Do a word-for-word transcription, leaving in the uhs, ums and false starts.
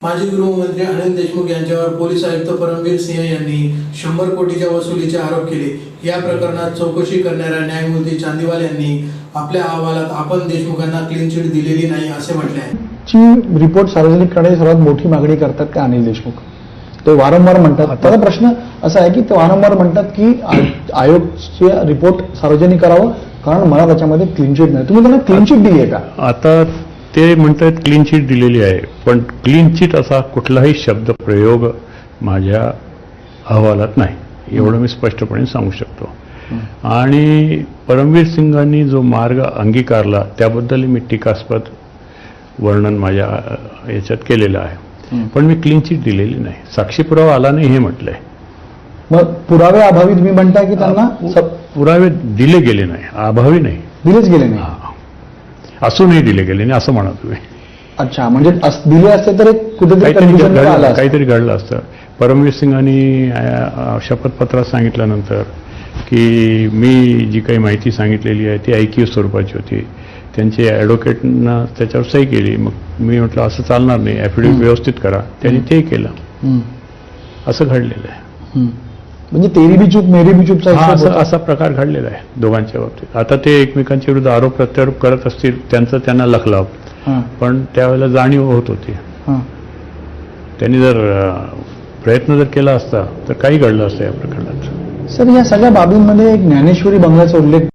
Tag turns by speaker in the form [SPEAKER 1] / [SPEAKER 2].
[SPEAKER 1] माजी गृहमंत्री अनिल देशमुख यांच्यावर पोलीस आयुक्त परमवीर सिंह यांनी शंभर कोटीच्या वसुलीचे आरोप केले। या प्रकरणात चौकशी करणाऱ्या न्यायमूर्ती चांदीवाल यांनी आपल्या अहवालात आपण देशमुखांना क्लीन चिट दिलेली नाही असे म्हटले आहे।
[SPEAKER 2] ची रिपोर्ट सार्वजनिक करण्याची सर्वात मोठी मागणी करतात का अनिल देशमुख? ते वारंवार म्हणतात। त्याचा प्रश्न असा आहे की ते वारंवार म्हणतात की आयोगचे रिपोर्ट सार्वजनिक करावं कारण मला त्याच्यामध्ये क्लीन चिट नाही। तुम्ही त्यांना क्लीन चिट दिली आहे का?
[SPEAKER 3] आता ते म्हणतात क्लीन चिट दिलेली आहे, पण क्लीन चिट असा कुठलाही शब्द प्रयोग माझ्या अहवालात नाही, एवढं मी स्पष्टपणे सांगू शकतो। आणि परमवीर सिंगांनी जो मार्ग अंगीकारला त्याबद्दल मी टीकास्पद वर्णन माझ्या याच्यात केलेलं आहे, पण मी क्लीन चिट दिलेली नाही। साक्षी पुरावा आला नाही हे म्हटलंय।
[SPEAKER 2] मग पुरावे अभावी तुम्ही म्हणताय की त्यांना
[SPEAKER 3] पुरावे दिले गेले नाही, अभावी नाही,
[SPEAKER 2] दिलेच गेले नाही,
[SPEAKER 3] असूनही दिले गेले नाही असं म्हणा तुम्ही।
[SPEAKER 2] अच्छा, म्हणजे दिले असते तर कुठेतरी
[SPEAKER 3] काहीतरी घडलं असतं। परमवीर सिंगांनी शपथपत्रात सांगितल्यानंतर की मी जी काही माहिती सांगितलेली आहे ती ऐकीव स्वरूपाची होती, त्यांचे ॲडव्होकेटनं त्याच्यावर सही केली। मग मी म्हटलं असं चालणार नाही, ॲफिडेव्हिट व्यवस्थित करा, त्यांनी ते केलं। असं घडलेलं आहे।
[SPEAKER 2] म्हणजे तेरी बी चूक मेरी बी चूकचा
[SPEAKER 3] असा असा प्रकार घडलेला आहे दोघांच्या बाबतीत। आता ते एकमेकांच्या विरुद्ध आरोप प्रत्यारोप करत असतील, त्यांचं त्यांना लखलाव, पण त्यावेळेला जाणीव होत होती। त्यांनी जर प्रयत्न जर केला असता तर काही घडलं असतं या प्रकरणात।
[SPEAKER 2] सर, या सगळ्या बाबींमध्ये एक ज्ञानेश्वरी बंगल्याचा उल्लेख